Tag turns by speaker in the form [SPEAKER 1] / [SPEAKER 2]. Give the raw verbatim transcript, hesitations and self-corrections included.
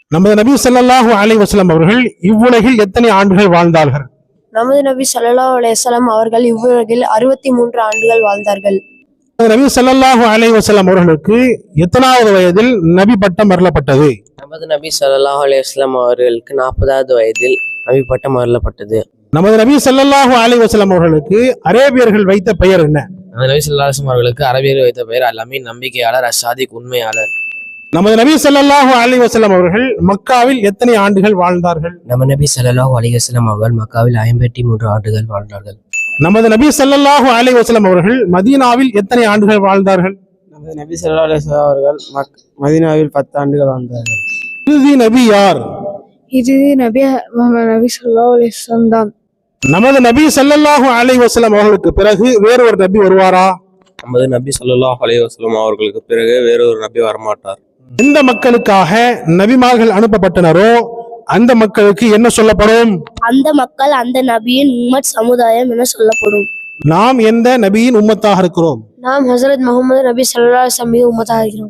[SPEAKER 1] நமது நபி ஸல்லல்லாஹு அலைஹி வஸல்லம் அவர்கள் இவ்வுலகில் எத்தனை ஆண்டுகள் வாழ்ந்தார்கள்?
[SPEAKER 2] நமது நபி ஸல்லல்லாஹு அலைஹி வஸல்லம் அவர்கள் இவ்வுலகில் அறுபத்தி மூன்று ஆண்டுகள் வாழ்ந்தார்கள்.
[SPEAKER 1] நபி ஸல்லல்லாஹு அலைஹி வஸல்லம் அவர்களுக்கு எத்தனாவது வயதில் நபி பட்டம் அருளப்பட்டது?
[SPEAKER 3] நமது நபி ஸல்லல்லாஹு அலைஹி வஸல்லம் அவர்களுக்கு நாற்பதாவது வயதில் நபி பட்டம் அருளப்பட்டது.
[SPEAKER 1] நமது நபி ஸல்லல்லாஹு அலைஹி வஸல்லம் அவர்களுக்கு அரேபியர்கள் வைத்த பெயர் என்ன?
[SPEAKER 3] நமது நபி ஸல்லல்லாஹு அலைஹி வஸல்லம் அவர்களுக்கு அரபியர் வைத்த பெயர் அல்-அமீன், நம்பிக்கையாளர், அஸ்-சாதிக், உண்மையாளர்.
[SPEAKER 1] நமது நபி ஸல்லல்லாஹு அலைஹி வஸல்லம் அவர்கள் மக்காவில் எத்தனை ஆண்டுகள் வாழ்ந்தார்கள்?
[SPEAKER 3] நமது நபி ஸல்லல்லாஹு அலைஹி வஸல்லம் அவர்கள் மக்காவில் ஐம்பத்தி மூன்று ஆண்டுகள் வாழ்ந்தார்கள்.
[SPEAKER 1] நமது நபி ஸல்லல்லாஹு அலைஹி வஸல்லம் அவர்கள் மதீனாவில் எத்தனை ஆண்டுகள் வாழ்ந்தார்கள்?
[SPEAKER 4] நமது நபி ஸல்லல்லாஹு அலைஹி வஸல்லம் அவர்கள் மதீனாவில் பத்து ஆண்டுகள் வாழ்ந்தார்கள்.
[SPEAKER 1] இறுதி நபி யார்?
[SPEAKER 2] இறுதி நபி முஹம்மது நபி ஸல்லல்லாஹு அலைஹி வஸல்லம் தான்.
[SPEAKER 1] நமது நபி ஸல்லல்லாஹு அலைஹி வஸல்லம் அவர்களுக்கு பிறகு வேறு ஒரு நபி வருவாரா?
[SPEAKER 5] நமது நபி ஸல்லல்லாஹு அலைஹி வஸல்லம் அவர்களுக்கு பிறகு வேறொரு நபி வரமாட்டார்.
[SPEAKER 1] எந்த மக்களுக்காக நபிமார்கள் அனுப்பப்பட்டனரோ அந்த மக்களுக்கு என்ன சொல்லப்படும்?
[SPEAKER 2] அந்த மக்கள் அந்த நபியின் உம்மத் சமுதாயம் என சொல்லப்படும்.
[SPEAKER 1] நாம் எந்த நபியின் உம்மத்தாக இருக்கிறோம்?
[SPEAKER 2] நாம் ஹஸரத் முஹம்மது நபி ஸல்லல்லாஹு அலைஹி வஸல்லம் உம்மத்தாக இருக்கிறோம்.